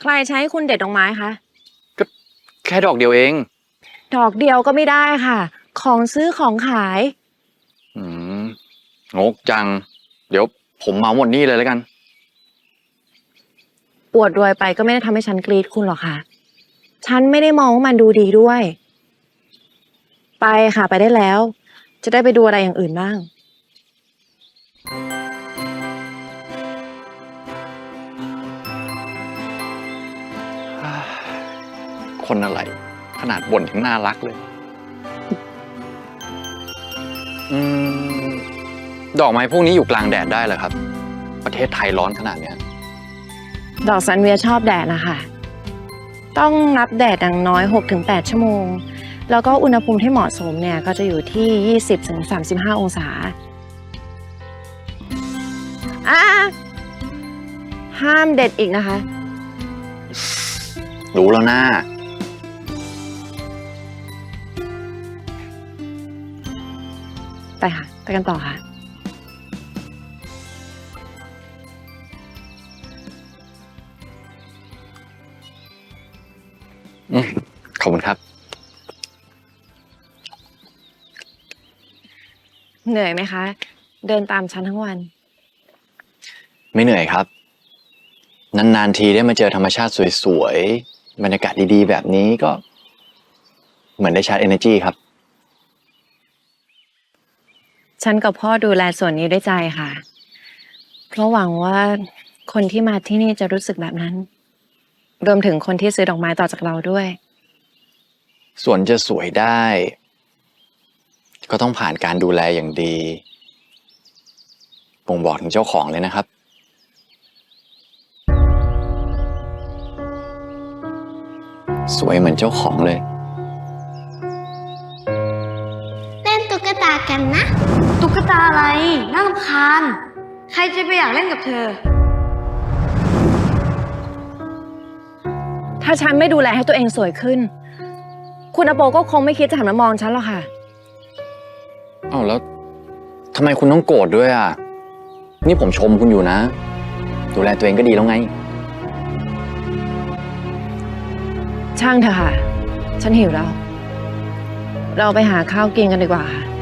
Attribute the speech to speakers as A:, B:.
A: รใช้คุณเด็ดดอกไม้คะ
B: ก็แค่ดอกเดียวเอง
A: ดอกเดียวก็ไม่ได้ค่ะ ของซื้อของขาย
B: อืมงกจัง เดี๋ยวผมเหมาหมดนี่เลยแล้วกัน
A: อวดรวยไปก็ไม่ได้ทำให้ฉันกรี๊ดคุณหรอกค่ะ ฉันไม่ได้มองว่ามันดูดีด้วย ไปค่ะไปได้แล้ว จะได้ไปดูอะไรอย่างอื่นบ้าง
B: คนอะไร ขนาดบ่นยังน่ารักเลย อืมดอกไม้พวกนี้อยู่กลางแดดได้เหรอครับ ประเทศไทยร้อนขนาดเนี้ย
A: ดอกซันเวียชอบแดดนะคะ ต้องรับแดดอย่างน้อย 6-8 ชั่วโมง แล้วก็อุณหภูมิที่เหมาะสมเนี่ยก็จะอยู่ที่ 20-35 องศาอ่ะห้ามเด็ดอีกนะคะ
B: รู้แล้วนะ
A: ไปค่ะ ไปกันต่อค่ะ
B: ขอบคุณครับ
A: เหนื่อยไหมคะ เดินตามฉันทั้งวัน
B: ไม่เหนื่อยครับ นานๆทีได้มาเจอธรรมชาติสวยๆ บรรยากาศดีๆ แบบนี้ก็ เหมือนได้ชาร์จ energy ครับ
A: ฉันกับพ่อดูแลส่วนนี้ด้วยใจค่ะ เพราะหวังว่าคนที่มาที่นี่จะรู้สึกแบบนั้น รวมถึงคนที่ซื้อดอกไม้ต่อจากเราด้วย
B: สวนจะสวยได้ ก็ต้องผ่านการดูแลอย่างดีบ่งบอกถึงเจ้าของเลยนะครับ สวยเหมือนเจ้าของเลย
C: เล่นตุ๊กตากันนะ
D: ตุ๊กตาอะไรน่ารำคาญใครจะไปอยากเล่นกับเธอ
A: ถ้าฉันไม่ดูแลให้ตัวเองสวยขึ้น คุณอโปก็คงไม่คิดจะหันมามองฉันหรอกค่ะ
B: อ้าวแล้วทำไมคุณต้องโกรธด้วยอ่ะ นี่ผมชมคุณอยู่นะ ดูแลตัวเองก็ดีแล้วไง
A: ช่างเถอะค่ะ ฉันหิวแล้ว เราไปหาข้าวกินกันดีกว่าค่ะ